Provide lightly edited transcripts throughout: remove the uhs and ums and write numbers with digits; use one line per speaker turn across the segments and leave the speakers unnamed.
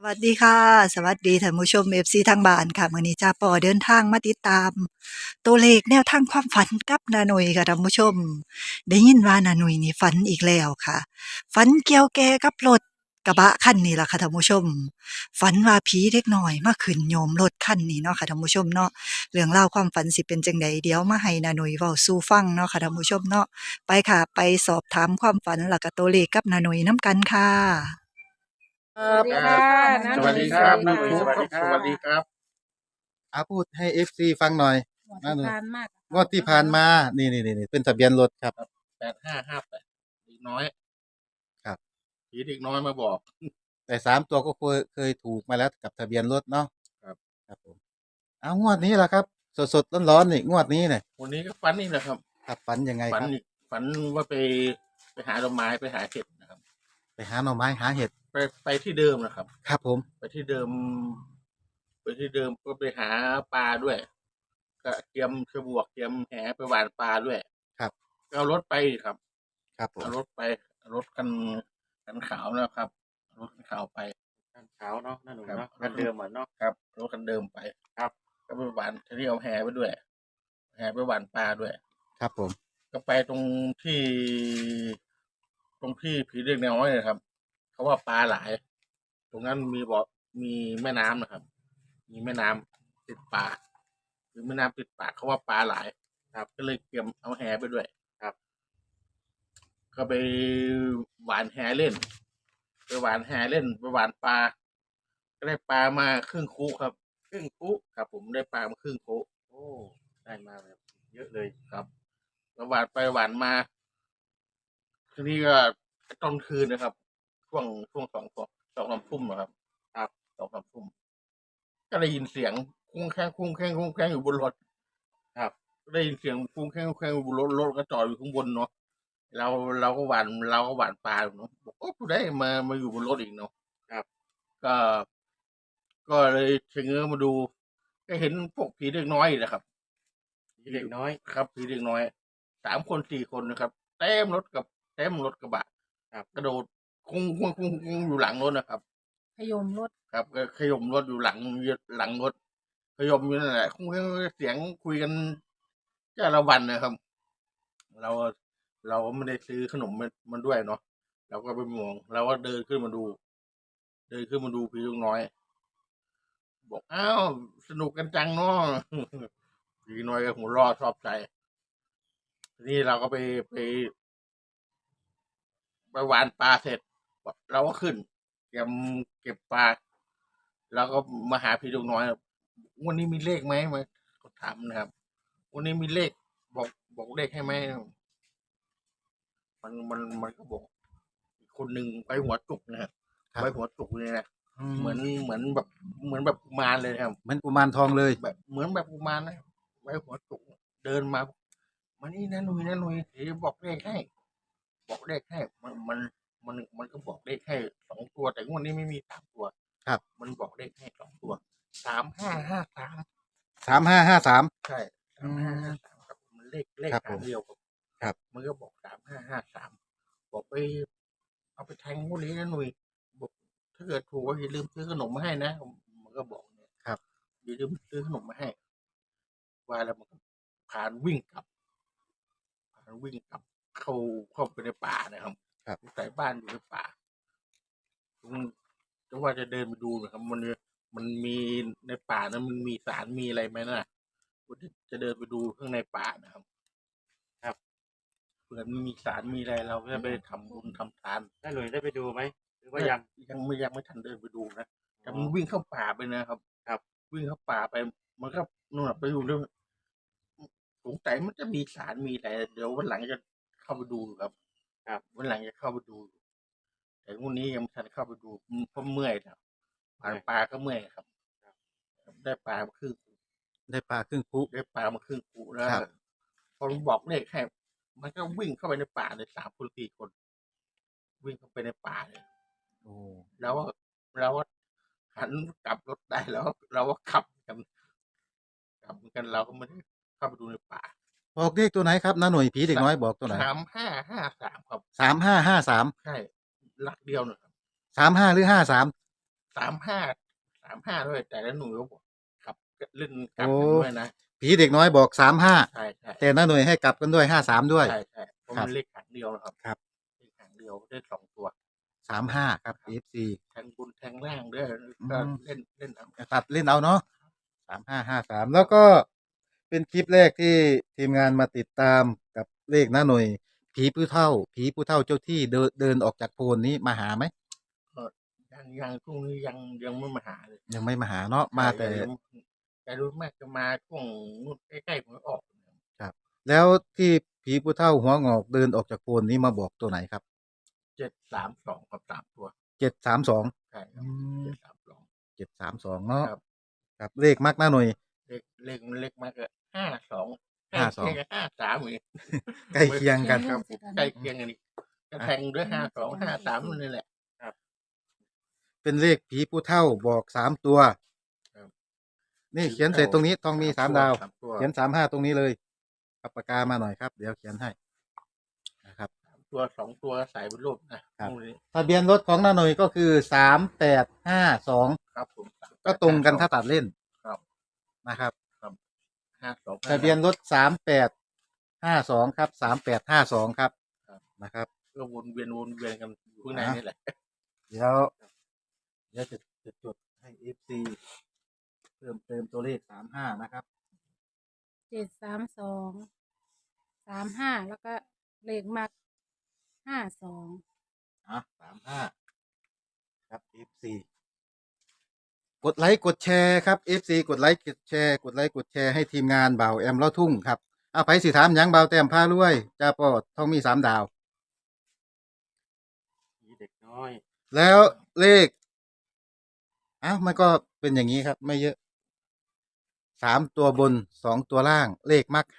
วัสดีค่ะสวัสดีท่านผู้ชม FC ทางบ้านค่ะมื้อนี้จ้าป่อเดินทางมาติดตามตัวเลขแนวทางความฝันกับน้าหนุ่ยค่ะท่านผู้ชมได้ยินว่าน้าหนุ่ยนี่ฝันอีกแล้วค่ะฝันเกี่ยวแก่กับรถกระบะคันนี้ล่ะค่ะท่านผู้ชมฝันว่าผีเด็กน้อยมาขึ้นโยมรถคันนี้เนาะค่ะท่านผู้ชมเนาะเรื่องราวความฝันสิเป็นจั่งใดเดี๋ยวมาให้น้าหนุ่ยเว้าสู่ฟังเนาะค่ะท่านผู้ชมเนาะไปค่ะไปสอบถามความฝันแล้วก็ตัวเลขกับน้าหนุ่ยนำกันค่ะ
ครับ
สวัสดีค่ะ
ครับ
น้าหนุ่ย
สวัสดีครับ
สวั
น้า
ส
ห
ดี
นุ่ย
ค่ะ
สวัสดีครับ
พูดให้ FC ฟังหน่อย
หมด
น้าหนุ่ย
ทานมาก
งวดที่ผ่านมานี่เป็นทะเบียนรถครับ
8558เด็กน้อย
ครับ
ผีเด็กน้อยมาบอก
แต่3 ตัวก็เคยถูกมาแล้วกับทะเบียนรถเนาะ
ครับ
ครับผมเอางวดนี้ล่ะครับ สดๆร้อนๆนี่งวดนี้เนี่ย
วันนี้ก็ฝันนี่แหละครับ
ครับฝันยังไง
ฝัน
ครับ
อีกฝันว่าไปหาดอกไม้ไปหาเห็ดนะครับ
ไปหาหน่อไม้หาเห็ด
ไปที่เดิมนะครับ
ครับผม
ไปที่เดิม ก็ไปหาปลาด้วย ก็เตรียมกระบวกเตรียมแหไปหว่านปลาด้วย
ครับ
ก็เอารถไปครับ
ครับผม
เอารถไปเอารถกันขาวนะครับเอารถกันขาวไป
คันขาวเนาะนั่นหนู
ครับ
เนาะคันเดิมเหมือนเนาะ
ครับรถคันเดิมไป
ครับ
ก็ไปหวานทีนี้เอาแหไปด้วย แหไปหวานปลาด้วย
ครับผม
ก็ไปตรงที่ผีเด็กน้อยนะครับ เขาว่าปลาหลาย ตรงนั้นมีแม่น้ำนะครับ มีแม่น้ำติดป่าคือแม่น้ำติดป่าเขาว่าปลาหลาย ครับ ก็เลยเตรียมเอาแหไปด้วย
ครับ
ก็ไปหวานแหเล่น ไปหวานแหเล่นไปหวานปลา ก็ได้ปลามาครึ่งคุครับ ครึ่งคุครับ ผมได้ปลามาครึ่งคุ
โอ้ได้มาแบบเยอะเลย
ครับแล้วหวานไปหวานมา ทีนี้ก็ตอนคืนนะครับ ช่วงสองสามทุ่มนะครับ ครับสองสามทุ่มก็ได้ยินเสียงคุ้งแข้งอยู่บนรถ ครับก็ได้ยินเสียงคุ้งแข้งอยู่บนรถก็จอดอยู่ข้างบนเนาะเราก็หวานปลาเนาะบอกโอ้ผู้ใดมาอยู่บนรถอีกเนาะครับ ก็ก็เลยเชงเง้อมาดู ก็เห็นพวกผีเด็กน้อยนะครับ
ผีเด็กน้อย
ครับผีเด็กน้อย3 คน 4 คนนะครับเต็มรถกระบะครับ กระโดดคุ้งอยู่หลังรถนะครับ
ขยมรถ
ครับก็ขยมรถอยู่หลังรถขยมอยู่นั่นแหละคุ้งเสียงคุยกันจ้าละวันนะครับ เราไม่ได้ซื้อขนมมันด้วยเนาะเราก็ไปมองเราก็เดินขึ้นมาดูผีเด็กน้อย บอกอ้าวสนุกกันจังเนาะ ผีน้อยก็หัวเรอชอบใจทีนี้เราก็ไปหวานปลาเสร็จเราก็ขึ้นเก็บปลาแล้วก็มาหาพี่ลูกน้อยวันนี้มีเลขไหมมาเขาถามนะครับ วันนี้มีเลขบอกเลขให้ไหมมันก็บอกอีกคนหนึ่งไปหัวจุกนะครับ
ครับ
ไปหัวจุกเลยนะ เหมื
เหมื
อนแบบกุมารเลยนะครับ
อนกุมารทองเลย
แบบเหมือนแบบกุมารนะไว้หัวจุกเดินมานี่นะหนุ่ยเดี๋ยวบอกเลขให้ มันก็บอกเลขให้2 ตัว แต่งวดนี้ไม่มี3 ตัว
ครับ
มันบอกเลขให้2 ตัว3553
3553
ใช่3553ครับมันเลข
ครับผม
ทางเดียว
ครับ
มันก็บอก3553บอกไปเอาไปแทงงวดนี้นะหนุ่ยบอกถ้าเกิดถูกก็อย่าลืมซื้อขนมมาให้นะมันก็บอกเนี่ย
ครับ
อย่าลืมซื้อขนมมาให้ ว่าแล้วมันก็พานวิ่งกลับเข้าไปในป่านะครับ
ครับ
ใส่บ้านอยู่ในป่าจะว่าจะเดินไปดูนะครับ มันมีในป่านั้นมันมีสารมีอะไรไหมนะจะเดินไปดูข้างในป่านะครับ ครับเผื่อมันมีสารมีอะไรเราก็จะไปทำบุญทำทาน
ได้หนุ่ยได้ไปดูไหมหรือว่ายัง
ยังไม่ทันเดินไปดูนะแต่มันวิ่งเข้าป่าไปนะครับ ครับ วิ่งเข้าป่าไป มันก็นู่นนะไปอยู่ด้วยสงสัยมันจะมีสารมีอะไรเดี๋ยววันหลังจะเข้าไปดูครับ ครับวันหลังจะเข้าไปดู แต่วันนี้ยังไม่ทันเข้าไปดูเพราะเมื่อยครับผ่านปลาก็เมื่อยครับ ได้ปลามาครึ่ง
ได้ปลาครึ่งคุ
ได้ปลามาครึ่งปูแล้ว
ครับ
พอมันบอกเลขให้มันก็วิ่งเข้าไปในป่าเลย3 คน 4 คน วิ่งเข้าไปในป่าเลย
โอ้
แล้วเราก็หันกลับรถได้แล้ว เราก็ขับกันเราก็ไม่ได้เข้าไปดูในป่า
บอกเลขตัวไหนครับน้าหน่วยผีเด็กน้อยบอกตัวไหน
3553ครับ
3553
ใช่หลักเดียวนะครับ
35หรือ53
35ด้วยแต่ละหน่วยก็บอกครับเล่นกลับ
โอ้
กันด้วยนะ
ผีเด็กน้อยบอก35
ใช่ใช่
แต่น้าหน่วยให้กลับกันด้วย53ด้วย
ใช่ใช่เพราะ
ครั
มั
บ
นเลขหางเดียวนะครับ
ครับ
เลขหางเดียวได้2 ตัว
35ครับ FC
แทงบนแทงล่างด้วย
อืม
ก็เล่นเอา
ตัดเล่นเอาเนาะ3553แล้วก็เป็นคลิปแรกที่ทีมงานมาติดตามกับเลขน้าหน่วยผีผู้เฒ่าเจ้าที่เดินออกจากโพนนี้มาหาไหม
ยังช่วงนี้ยังไม่มาหาเลย
ยังไม่มาหาเนาะมาแต่
แต่รู้มากจะมาช่วงนู่นใกล้ๆหวยออก
ครับ แล้วที่ผีผู้เฒ่าหัวงอกเดินออกจากโพนนี้มาบอกตัวไหนครับ
732กับ3 ตัว
732
ใช่ครับ
อืม
732
732เนาะ
ครับ
ครับเลขมักน้าหน่วย
เลขมากก็52
52
53อีก
ใกล้เคียงกันครับ
ใกล้เคียงกันอีกจะแทงด้วย52 53นี่แหละ
เป็นเลขผีผู้เฒ่าบอก3ตัว
ครับ
นี่เขียนเสร็จตรงนี้ต้องมี3ดาว
3 ตัว
เขียน35ตรงนี้เลยเอาปากกามาหน่อยครับ เดี๋ยวเขียนให้นะครับ
3 ตัว 2 ตัวใส่เป็นรูปนะครับ นู่นนี่
ทะเบียนรถของน้าหน่ยก็คือ3852
ครับผม
ก็ตรงกันถ้าตัดเล่น
ครับ
นะครับ
52
ทะเบียนรถ3852ครับ3852ครับ
ครับ
นะครับ
ก็วนเวียนกันอยู่ข้างในนี่แหละ
เดี๋ยวจะจดให้ FC เพิ่มเติมตัวเลข35นะครับ
732 35แล้วก็เลขมัก52
35ครับ FC กดไลค์กดแชร์ครับ FC กดไลค์กดแชร์กดไลค์กดแชร์ให้ทีมงานบ่าวแอมเล่าทุ่งครับเอาไปสิถามหยังบ่าวแต้มพารวยจ้าปอทองมี3 ดาว
ผีเด็กน้อย
แล้วเลขมันก็เป็นอย่างนี้ครับ ไม่เยอะ3 ตัวบน2 ตัวล่าง เลขมัก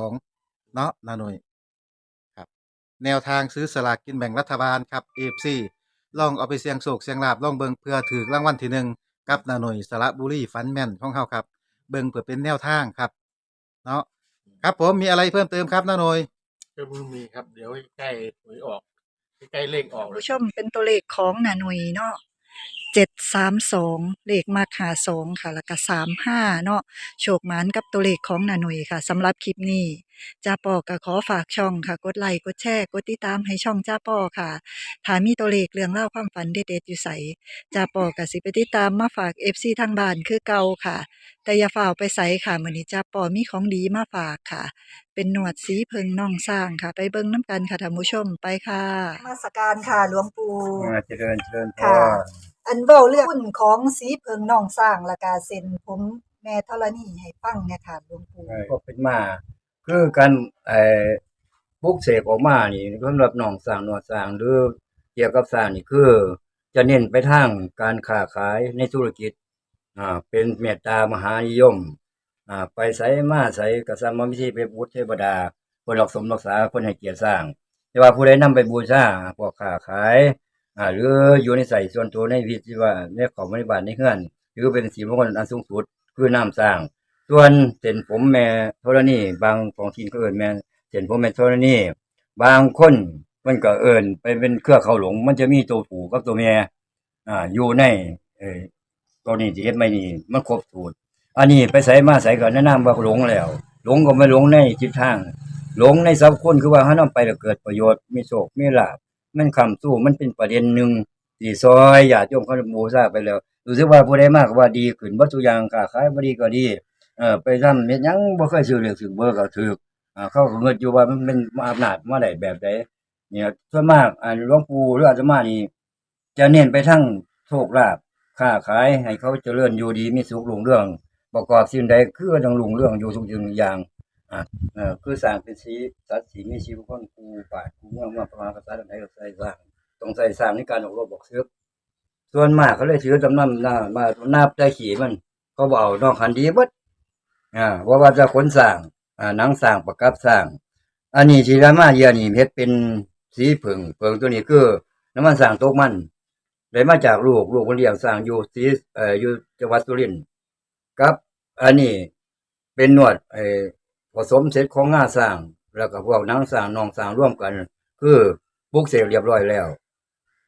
52เนาะนาหน่ยครับ แนวทางซื้อสลากกินแบ่งรัฐบาลครับ AFC ลองเอาไปเสี่ยงโชคเสี่ยงลาบลองเบิ่งเพื่อถือรางวัลที่1กับนาหน่ยสระบุรีฟันแม่นของเฮาครับ เบิ่งเพื่อเป็นแนวทางครับ เนาะครับผมมีอะไรเพิ่มเติมครับนาหน่ย
ก็ไม่มีครับ เดี๋ยวใกล้หวยออกใกล้เลขออกเลย
ผู้ชมเป็นตัวเลขของนาหนุยเนาะ732เลขมา52ค่ะ แล้วก็35เนาะโชคหมานกับตัวเลขของนาหนุยค่ะสำหรับคลิปนี้จ้าปอก็ขอฝากช่องค่ะ กดไลค์กดแชร์กดติดตามให้ช่องจ้าปอค่ะถ้ามีตัวเลขเรื่องเล่าวความฝันเด็ดๆอยู่ไสจ้าปอก็สิไปติดตามมาฝาก FC ทางบ้านคือเก่าค่ะ แต่อย่าฝ่าวไปไสค่ะมื้อนี้จ้าปอมีของดีมาฝากค่ะ เป็นหนวดสีเพิงน่องสร้างค่ะ ไปเบิ่งน้ำกันค่ะท่านผู้ชมไปค่ะมาสการค่ะหลวงปู่
เจริญพ
ค่ะ
ร
อันเว้าเรื่องหุ้นของสีเพิงน่องสร้างและกาเซ็นผมแม่ธรณีให้ฟังเนี่ยค่ะหลวงปู่
ก็เป็นมา คือการปลุกเสกออกมานี่สำหรับน้องสร้างหนวดสร้างหรือเกี่ยวกับสร้างนี่คือจะเน้นไปทางการค้าขายในธุรกิจเป็นเมตตามหานิยมไปไสมาไสก็สร้างมาวิธีไปบูชเทวดาเพิ่นรักสมรักษาเพิ่นให้เกียรติสร้าง แต่ว่าผู้ใดนำไปบูชาพวกค้าขายหรืออยู่ในใส่ส่วนตัวในวิธีว่าในของบริบาลในเฮือนหรือเป็นสีมงคลอันสูงสุดคือน้ำสร้าง ส่วนเส้นผมแม่ธรณีบางของทีนก็เอิ้นแม่เส้นผมแม่ธรณีบางคนมันก็เอิ้นไปเป็นเครือเขาหลงมันจะมีตัวผู้กับตัวแม่อยู่ในตัวนี้ที่เฮ็ดไม่นี่มันครบสูตรอันนี้ไปไสมาไสก็แนะนำว่าหลงแล้ว หลงก็ไม่หลงในจิตทาง หลงในสัพคนคือว่าเฮานำไปแล้วเกิดประโยชน์มีโชคมีลาภมันค้ำสู้มันเป็นประเด็นหนึ่งที่ซอยญาติโยมเขาบูชาไปแล้วรู้สึกว่าผู้ใดมาก็ว่าดีขึ้นเบิดทุกอย่างค้าขายบ่ดีก็ดีไปทำเฮ็ดหยังบ่เคยซื้อเลขซื้อเบอร์ก็ถูกเขาก็คิดอยู่ว่ามันเป็นอำนาจมาได้แบบใดเนี่ยส่วนมากหลวงปู่หรืออาตมานี่จะเน้นไปทางโชคลาภค้าขายให้เขาเจริญอยู่ดีมีสุขรุ่งเรืองประกอบสิ่งใดคือต้องรุ่งเรืองอยู่ทุกสิ่งทุกอย่างคือสร้างเป็นสีสัตว์สีมีชีวิตคนกูป่ากูเมืองประมาณภาษาใดก็ใส่สร้างต้องใส่สร้างในการออกรบบอกซึกส่วนมากเขาเลยถือจำนำมานับได้ขี่มันเขาบอกเอานอกคันดีเบิดว่าจะขนสร้างหนังสร้างประกับสร้างอันนี้ที่รามาเยียนี่เฮ็ดเป็นสีเผิงตัวนี้คือน้ำมันสร้างตกมันได้มาจากลูกเพิ่นเลี้ยงสร้างอยู่สีอยู่จังหวัดสุรินทร์ครับอันนี้เป็นนวดผสมเสร็จของงาสร้างแล้วก็พวกหนังสร้างนองสร้างร่วมกันคือปลุกเสกเรียบร้อยแล้ว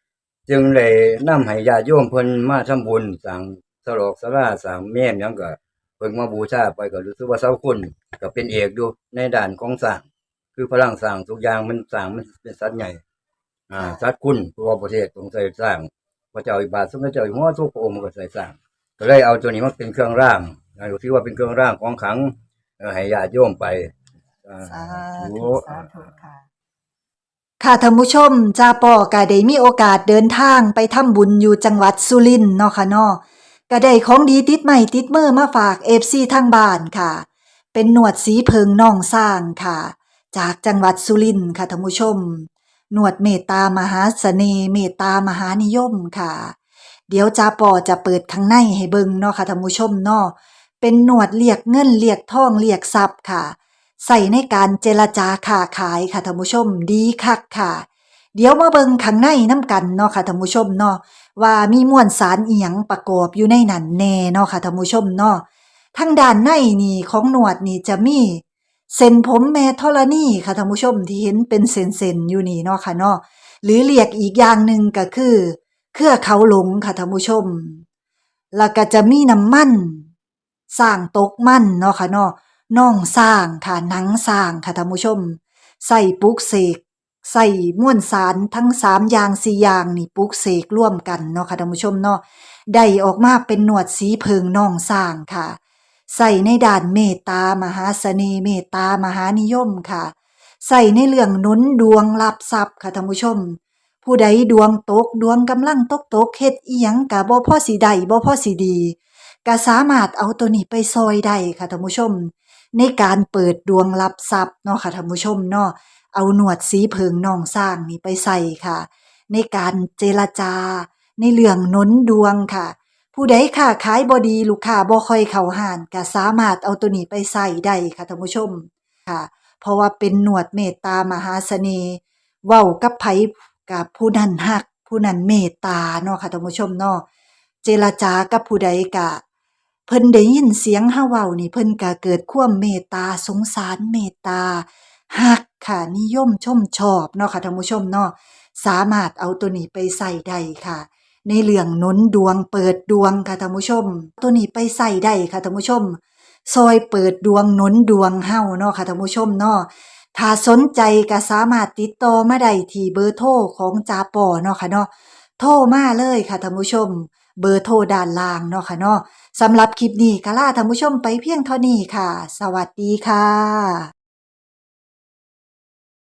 จึงได้นำให้ญาติโยมเพิ่นมาทำบุญสร้างสลอกศาลาสร้างเมนหยังก็เพิ่นมาบูชาไปก็รู้สึกว่าเสาคุณก็เป็นเอกอยู่ในด้านของสร้างคือพลังสร้างทุกอย่างมันสร้างมันเป็นสัตว์ใหญ่สัตว์คุณทั่วประเทศต้องใช้สร้างพระเจ้าอิบาทสมเด็จเจ้าอยู่หัวทุกพระองค์ก็ใช้สร้างก็เลยเอาตัวนี้มาเป็นเครื่องร่างก็ถือว่าเป็นเครื่องร่างของขลังให้ญาติโยมไป
สาธุสาธุค่ะ ค่ะท่านผู้ชมจ้าป่อก็ได้มีโอกาสเดินทางไปทำบุญอยู่จังหวัดสุรินทร์เนาะค่ะเนาะก็ได้ของดีติดไม้ติดมือมาฝาก FC ทางบ้านค่ะ เป็นหนวดสีเพิงน่องสร้างค่ะ จากจังหวัดสุรินทร์ค่ะท่านผู้ชมหนวดเมตตามหาเสน่ห์เมตตามหานิยมค่ะ เดี๋ยวจ้าป่อจะเปิดข้างในให้เบิ่งเนาะค่ะท่านผู้ชมเนาะเป็นหนวดเรียกเงินเรียกทองเรียกทรัพย์ค่ะ ใส่ในการเจรจาค้าขายค่ะท่านผู้ชมดีคักค่ะ เดี๋ยวมาเบิ่งข้างในน้ำกันเนาะค่ะท่านผู้ชมเนาะว่ามีมวลสารอีหยังประกอบอยู่ในนั้นแน่เนาะค่ะท่านผู้ชมเนาะทางด้านในนี่ของหนวดนี่จะมีเส้นผมแม่ธรณีค่ะท่านผู้ชมที่เห็นเป็นเส้นๆอยู่นี่เนาะค่ะเนาะหรือเรียกอีกอย่างหนึ่งก็คือเครือเขาหลงค่ะท่านผู้ชมแล้วก็จะมีน้ำมันสร้างตกมันเนาะค่ะเนาะน่องสร้างค่ะหนังสร้างค่ะท่านผู้ชมใส่ปลุกเสกใส่มวลสารทั้ง3อย่าง4อย่างนี่ปลุกเสกร่วมกันเนาะค่ะท่านผู้ชมเนาะได้ออกมาเป็นหนวดสีเพิงน่องสร้างค่ะใส่ในด้านเมตตามหาเสน่ห์เมตตามหานิยมค่ะใส่ในเรื่องหนุนดวงรับทรัพย์ค่ะท่านผู้ชมผู้ใดดวงตกดวงกำลังตกเฮ็ดอีหยังก็บ่พอสิได้บ่พอสิดีก็สามารถเอาตัวนี้ไปซอยได้ค่ะท่านผู้ชมในการเปิดดวงรับทรัพย์เนาะค่ะท่านผู้ชมเนาะเอาหนวดสีเพิงน่องสร้างนี่ไปใส่ค่ะในการเจรจาในเรื่องหนุนดวงค่ะผู้ใดค้าขายบ่ดีลูกค้าบ่ค่อยเข้าห้านก็สามารถเอาตัวนี้ไปใส่ได้ค่ะท่านผู้ชมค่ะเพราะว่าเป็นหนวดเมตตามหาเสน่ห์เว้ากับไผกับผู้นั้นฮักผู้นั้นเมตตาเนาะค่ะท่านผู้ชมเนาะเจรจากับผู้ใดก็เพิ่นได้ยินเสียงเฮาเว้านี่เพิ่นก็เกิดความเมตตาสงสารเมตตาฮักค่ะนิยมชมชอบเนาะค่ะท่านผู้ชมเนาะสามารถเอาตัวนี้ไปใส่ได้ค่ะในเรื่องหนุนดวงเปิดดวงค่ะท่านผู้ชมตัวนี้ไปใส่ได้ค่ะท่านผู้ชมซอยเปิดดวงหนุนดวงเฮาเนาะค่ะท่านผู้ชมเนาะถ้าสนใจก็สามารถติดต่อมาได้ที่เบอร์โทรของจาปอเนาะค่ะเนาะโทรมาเลยค่ะท่านผู้ชมเบอร์โทรด้านล่างเนาะค่ะเนาะสำหรับคลิปนี้ก็ลาท่านผู้ชมไปเพียงเท่านี้ค่ะ สวัสดีค่ะ